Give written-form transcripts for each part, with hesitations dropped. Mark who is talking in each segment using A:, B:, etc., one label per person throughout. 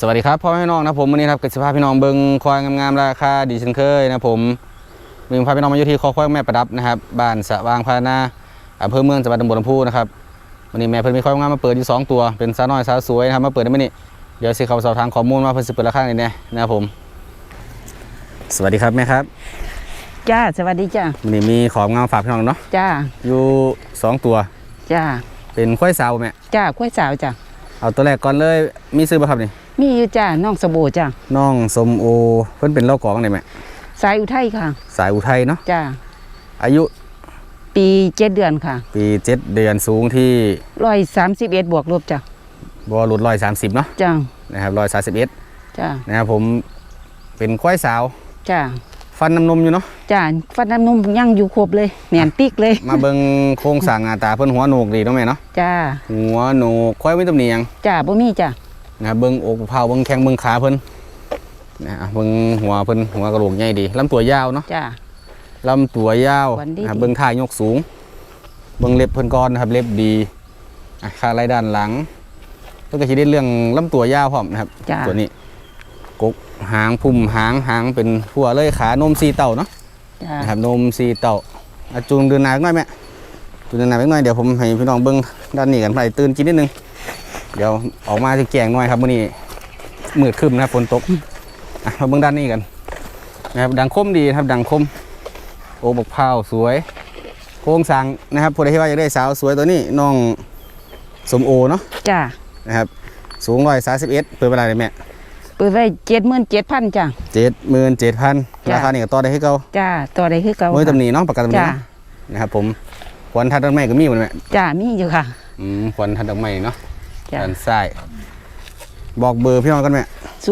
A: วัสดีครับพ่อแม่พี่น้องนะผมวันนี้ครับกิจภาพพี่น้องเบิ้งควายงามๆราคาดีเช่นเคยนะผมมีพาพี่น้องมาอยู่ที่คอควายแม่ประดับนะครับบ้านสะวางพานาอำเภอเมืองจังหวัดตำบลลำพูนะครับวันนี้แม่เพิ่นมีควายงามมาเปิดอยู่2ตัวเป็นสาวน้อยสาวสวยนะครับมาเปิดได้ไหมนี่เดี๋ยวสิเขาสอบถามข้อมูลมาเพิ่นสิเปิดราคาไหนเนี่ยนะครับผมสวัสดีครับแม่ครับ
B: จ้าสวัสดีจ้า
A: วันนี้มีของงามฝากพี่น้องเนาะ
B: จ้า
A: อยู่2ตัว
B: จ้า
A: เป็นควายสาวแม่
B: จ้าควายสาวจ้า
A: เอาตัวแรกก่อนเลยมีซื้อป่ะครับนี่
B: มีอยู่จ้าน้องสบู่จ้า
A: น้องสมโอเพิ่นเป็นเล่ากอบ้างไหนแม่
B: สายอุทัยค่ะ
A: สายอุทัยเนาะ
B: จ้า
A: อายุ
B: ปี7 เดือนค่ะ
A: ปี7 เดือนสูงที่
B: 131บวกลบจ้า
A: บอลลุด130เนาะ
B: จ้า
A: นะครับ131
B: จ้า
A: นะครับผมเป็นควายสาว
B: จ้า
A: ฟันน้ำนมอยู่เนาะ
B: จ้าฟันน้ำนมยังอยู่ครบเลยแหนติ๊กเลย
A: มาเบิ่งโครงสร้างหน้าตาเพิ่นหัวโหนกดีเนาะแม่เนาะ
B: จ้า
A: หัวโหนกควายไม่ตำหนิหยัง
B: จ้าบ่มีจ้า
A: นะเบิ่งอกเผาเบิ่งแข้งเบิ่งขาเพิ่นนะเบิ่งหัวเพิ่นหัวกระโหลกใหญ่ดีลำตัวยาวเนาะ
B: จ้า
A: ลำตัวยาวนะครับเบิ่งท่ายกสูงเบิ่งเล็บเพิ่นก่อนนะครับเล็บดีขาไหล่ด้านหลังเพิ่นก็สิได้เรื่องลำตัวยาวพร้อมนะครับตัวนี้กกหางพุ่มหางเป็นหัวเลยขานม4 เต่าเนาะนะครับนม4 เต่าจูงเดินหน้าหน่อยแม่จูงเดินหน้าหน่อยเดี๋ยวผมให้พี่น้องเบิ่งด้านนี้กันไปตื่นกินนิดนึงเดี๋ยวออกมาจะแกงหน่อยครับมื้อนี้มืดครึ้มนะครับฝนตกมาเบิ่งด้านนี้กันนะครับดังคมดีครับดังคมโอ้บกเผาสวยโครงสร้างนะครับผู้ใดที่ว่าอยากได้สาวสวยตัวนี้น้องสมโอเนาะ
B: จ้า
A: นะครับสูง131เปิดเวลาเลยแม่
B: เปิดไว้77,000จ้า
A: 77,000ราคานี่ก็ต่อได้คือเก่า
B: จ้าต่อได้คือเก่า
A: มื้อตำหนิเนาะประกันตำหนินะครับผมควันทัดดอกไม้ก็มีหมดแม่
B: จ้ามีอยู่ค่ะ
A: ควันทัดดอกไม้เนาะด้านซ้ายบอกเบอร์พี่น้องกันแม่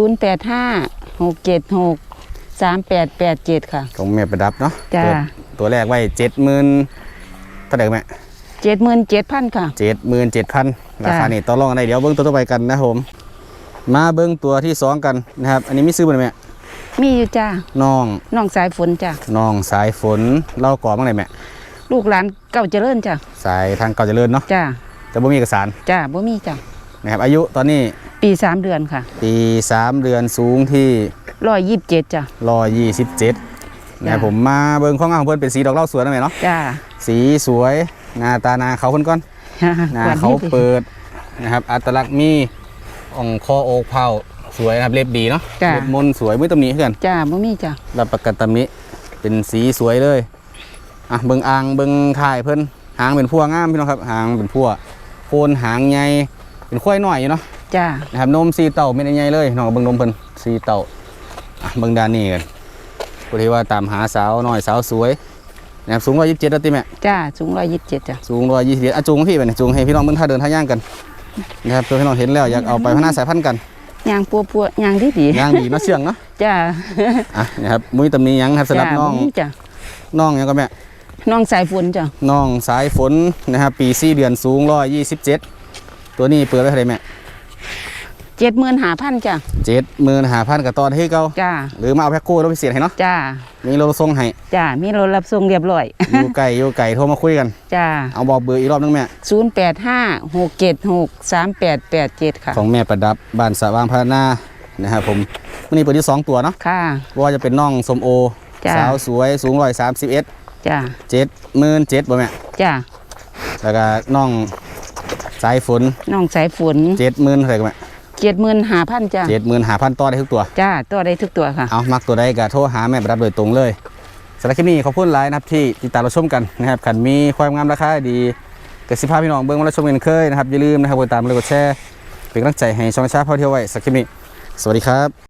B: 0856763887ค่ะ
A: ของแม่ประดับเนาะ
B: จ้า
A: ตัวแรกไว้70,000เท่าไหร่แม่
B: 77,000ค่ะ
A: 77,000ราคานี่ต่อรองกันได้เดี๋ยวเบิ้งตัวต่อไปกันนะผมมาเบิ้งตัวที่2กันนะครับอันนี้มีซื้อบ่แม่
B: มีอยู่จ้า
A: น้อง
B: สายฝนจ้า
A: น้องสายฝนเล่าก่อบ้างไหนแม่
B: ลูกหลานเก่าเจริญจ้า
A: สายทางเก่าเจริญเนาะ
B: จ้า
A: แต่บ่มีเอกสาร
B: จ้าบ่มีจ้า
A: นะครับอายุตอนนี้
B: ปี3 เดือนค่ะ
A: ปี3 เดือนสูงที่
B: 127จ้า
A: 127นะครับผมมาเบิ้งข้องงานของเพื่อนเป็นสีดอกเหล้าสวยนะแม่เนาะ
B: จ้า
A: สีสวยหน้าตานาเขาเพิ่นก่อนหน้าเขาเปิดนะครับอัตลักษณ์มีอ่องคอโอกเผาสวยนะครับเล็บดีเนาะเล็บมนสวยไม่ตำหนิเพื่อน
B: จ้าบ่มีจ้า
A: รับประกันตำหนิเป็นสีสวยเลยเบิ้งอ่างเบิ้งถ่ายเพิ่นหางเป็นพัวงามพี่น้องครับหางเป็นพัวโคนหางใหญ่เป็นควายหน่อยอยู่เนาะ
B: จ้า
A: นะครับนม4 เต่าไม่ได้ใหญ่เลยน้องเบิ้งนมเพิ่น4 เต่าเบิ้งด้านนี้กันผู้ที่ว่าตามหาสาวน้อยสาวสวยนะครับสูง127แล้วติแม่
B: จ้าสูง127จ้า
A: สูง127จูงพี่ไปจูงให้พี่น้องเบิ่งท่าเดินท่าย่างกันนะครับเพื่อพี่น้องเห็นแล้วอยากเอาไปพัฒนาสายพันธุ์กัน
B: ย่างปัวย่างดี
A: ย่างดีมาเชื่องเนาะ
B: จ้า
A: นะครับมุ้ยตำหนิยังครับสำหรับน้องยังก็แม่
B: น้องสายฝนจ้า
A: น้องสายฝนนะครับปี4 เดือนสูง127ตัวนี้เปิดไว้เท่าไหร่แม่
B: 75,000จ้า
A: 75,000กับตอนให้เก่า
B: จ้า
A: หรือมาเอาแพ็คคู่รถพิเศษให้เนาะ
B: จ้า
A: มีรถส่งให้
B: จ้ามีรถรับส่งเรียบร้อย
A: อยู่ไก่โทรมาคุยกัน
B: จ้า
A: เอาบอกเบอร์อีกรอบนึงแม่
B: 0856763887ค่ะ
A: ของแม่ประดับบ้านสะวางพัฒนานะครับผมวันนี้เปิดที่2 ตัวเนาะ
B: ค่ะ
A: ว่าจะเป็นน้องสมโอสาวสวยสูง131
B: จ้า
A: 77,000บ่แม่
B: จ้า
A: แล้วก็น้องสายฝน70,000เท่าไหร่กันแม่
B: 75,000จ้า
A: 75,000ต่อได้ทุกตัว
B: จ้าต่อได้ทุกตัวค่ะ
A: เอามักตัวใดก็โทรหาแม่ประดับโดยตรงเลยสำหรับคลิปนี้ขอบคุณหลายนะครับที่ติดตามเราชมกันนะครับขันมีความงามราคาดีกสิภาพพี่น้องเบิ้งมาเราชมกันเคยนะครับอย่าลืมนะครับกดติดตามกดแชร์เป็นกำลังใจให้ช่องชาติพ่อเที่ยวไว้สักคลิปนี้สวัสดีครับ